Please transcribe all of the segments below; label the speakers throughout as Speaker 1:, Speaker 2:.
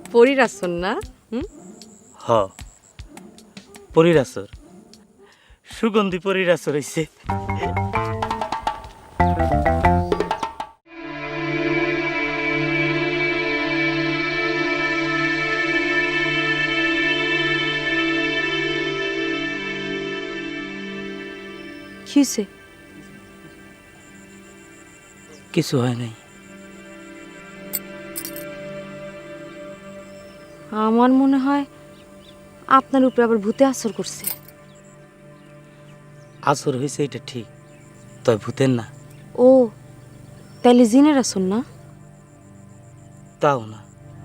Speaker 1: পরীর আসন না?
Speaker 2: হ পরীর আসর, সুগন্ধি পরীর আসর হইছে।
Speaker 1: কি হইছে?
Speaker 2: কিছু হয় নাই।
Speaker 1: আমার মনে হয় আপনার উপরে আবার ভূতে আসর করছে।
Speaker 2: আসর হয়েছে এটা ঠিক, তবে ভূতের না।
Speaker 1: ও, তাইলে জিনের আসন না?
Speaker 2: তাও না।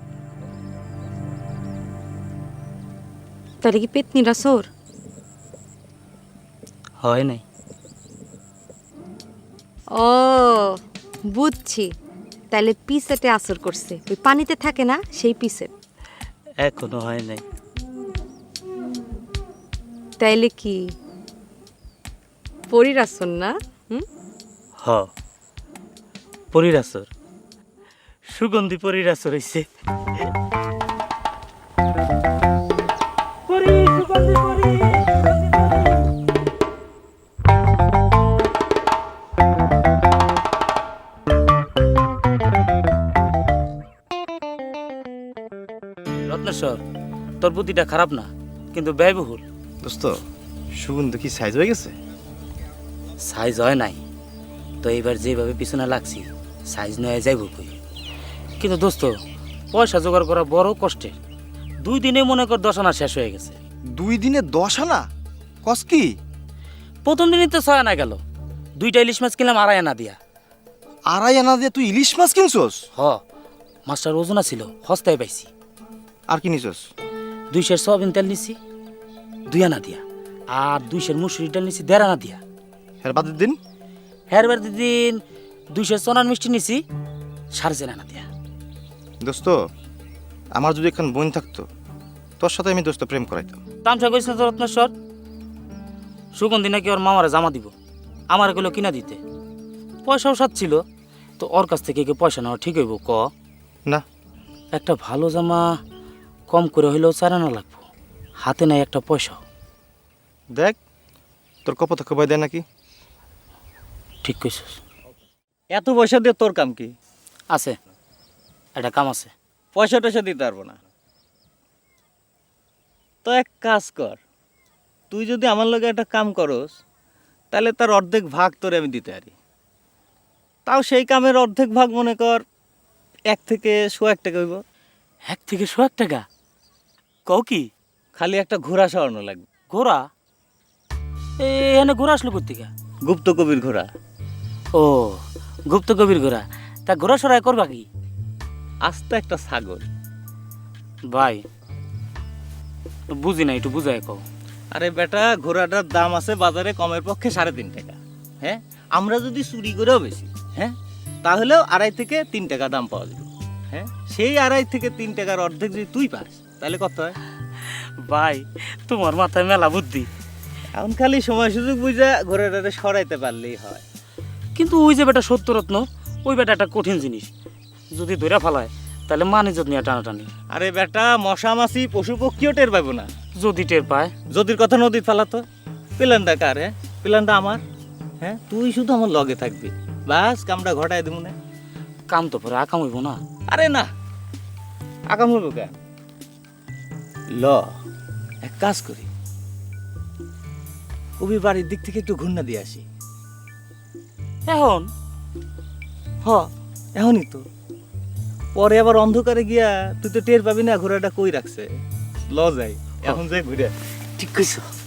Speaker 1: তাহলে কি পেতনির আসর?
Speaker 2: হয় নাই।
Speaker 1: ও বুঝছি, তাহলে পিসেটে আসর করছে। ওই পানিতে থাকে না, সেই পিসেট।
Speaker 2: এখনো হয় নাই।
Speaker 1: তাইলে কি পরীর আসন না?
Speaker 2: হ পরীর আসর, সুগন্ধি পরীর আসর হইছে। রত্নেশ্বর, তোর বুদ্ধিটা খারাপ না, কিন্তু ব্যয়বহুল।
Speaker 3: দোস্ত, সুগন্ধ কি সাইজ হয়ে গেছে?
Speaker 2: সাইজ হয় নাই তো এইবার যেভাবে পিছনে লাগছি সাইজ নয় যাইব কই। কিন্তু দোস্ত, পয়সা জোগাড় করা বড় কষ্টের। 2 দিনে মনে কর 10 আনা শেষ হয়ে গেছে।
Speaker 3: 2 দিনে 10 আনা? কস কি?
Speaker 2: প্রথম দিনই তো 6 আনা গেল। 2টা ইলিশ মাছ কিনলাম 2.5 আনা দিয়া।
Speaker 3: 2.5 আনা দিয়ে তুই ইলিশ মাছ কিনছস?
Speaker 2: হ, মাছটার ওজনা ছিল, হস্তায় পাইছি।
Speaker 3: আর কি নিছস?
Speaker 2: 2 সের সয়াবিন তেল নিছি 2 আনা দিয়া, আর 2 সের মুসুরি ডাল নিছি 1.5 আনা দিয়া।
Speaker 3: এর বাদের দিন?
Speaker 2: হেরবার দিন 2 সের চনার মিষ্টি নিছি 4.5 আনা দিয়া।
Speaker 3: দোস্ত, আমার যদি এখন বোন থাকতো, তোর সাথে আমি দোস্ত প্রেম করাইতাম।
Speaker 2: তামসা কইছে তো রত্নেশ্বর, সুগন্ধি নাকি ওর মামারে জামা দিব, আমার এগুলো কিনা দিতে। পয়সাও সাথ ছিল, তো ওর কাছ থেকে কি পয়সা নেওয়া ঠিক হইব ক?
Speaker 3: না।
Speaker 2: একটা ভালো জামা কম করে হইলেও 4 আনা লাগবো, হাতে নাই একটা পয়সাও।
Speaker 3: দেখ, তোর কপত খবর দেয় নাকি?
Speaker 2: ঠিক কইছিস।
Speaker 4: এত পয়সা দিয়ে তোর কাম কি?
Speaker 2: আছে, একটা কাম আছে।
Speaker 4: পয়সা টয়সা দিতে পারবো না। তো এক কাজ কর, তুই যদি আমার লগে একটা কাম করস, তাহলে তার অর্ধেক ভাগ তোরে আমি দিতে পারি। তাও সেই কামের অর্ধেক ভাগ মনে কর 1 থেকে 100 টাকা হইব।
Speaker 2: 1 থেকে 100 টাকা? কও কি?
Speaker 4: খালি একটা ঘোড়া সরানো লাগবে।
Speaker 2: ঘোড়া? এখানে ঘোড়া আসলো কোথেকে?
Speaker 4: গুপ্ত কবির ঘোড়া।
Speaker 2: ও, গুপ্ত কবির ঘোড়া। তা ঘোড়া সরাই করবা কি?
Speaker 4: আস্ত একটা ছাগল।
Speaker 2: ভাই বুঝি না, একটু বুঝাই কও।
Speaker 4: আরে বেটা, ঘোড়াটার দাম আছে বাজারে কমের পক্ষে 3.5 টাকা। হ্যাঁ, আমরা যদি চুরি করেও বেশি, হ্যাঁ, তাহলেও 2.5 থেকে 3 টাকা দাম পাওয়া যাবে। হ্যাঁ, সেই 2.5 থেকে 3 টাকার অর্ধেক যদি তুই পাস, তাহলে কত হয়?
Speaker 2: ভাই তোমার মাথায় মেলা বুদ্ধি।
Speaker 4: এখন খালি সময় সুযোগ বুঝা ঘোড়াটারে সরাইতে পারলেই হয়।
Speaker 2: কিন্তু ওই যে বেটা সত্যরত্ন, ওই বেটা একটা কঠিন জিনিস। যদি ধরে ফেলায় তাহলে মান ইজ্জত নিয়ে টানাটানি।
Speaker 4: আরে বেটা, মশা মাছি পশু পক্ষীও টের পাবো না।
Speaker 2: যদি টের পায়?
Speaker 4: যদির কথা নদীর ফেলাতো। প্ল্যানটা কার? হ্যাঁ, প্ল্যানটা আমার। হ্যাঁ, তুই শুধু আমার লগে থাকবি, বাস কামটা ঘটাই দেবো না।
Speaker 2: কাম তো পরে আকাম হইব না?
Speaker 4: আরে না, আগাম হইব কেন? ল, এক কাজ করি, কবি বাড়ির দিক থেকে একটু ঘুরনা দিয়ে আসি।
Speaker 2: এখন?
Speaker 4: হ, এখনই তো। পরে আবার অন্ধকারে গিয়া তুই তো টের পাবি না ঘোড়াটা কই রাখছে। ল যাই, এখন যাই ঘুরে।
Speaker 2: ঠিক কইছো।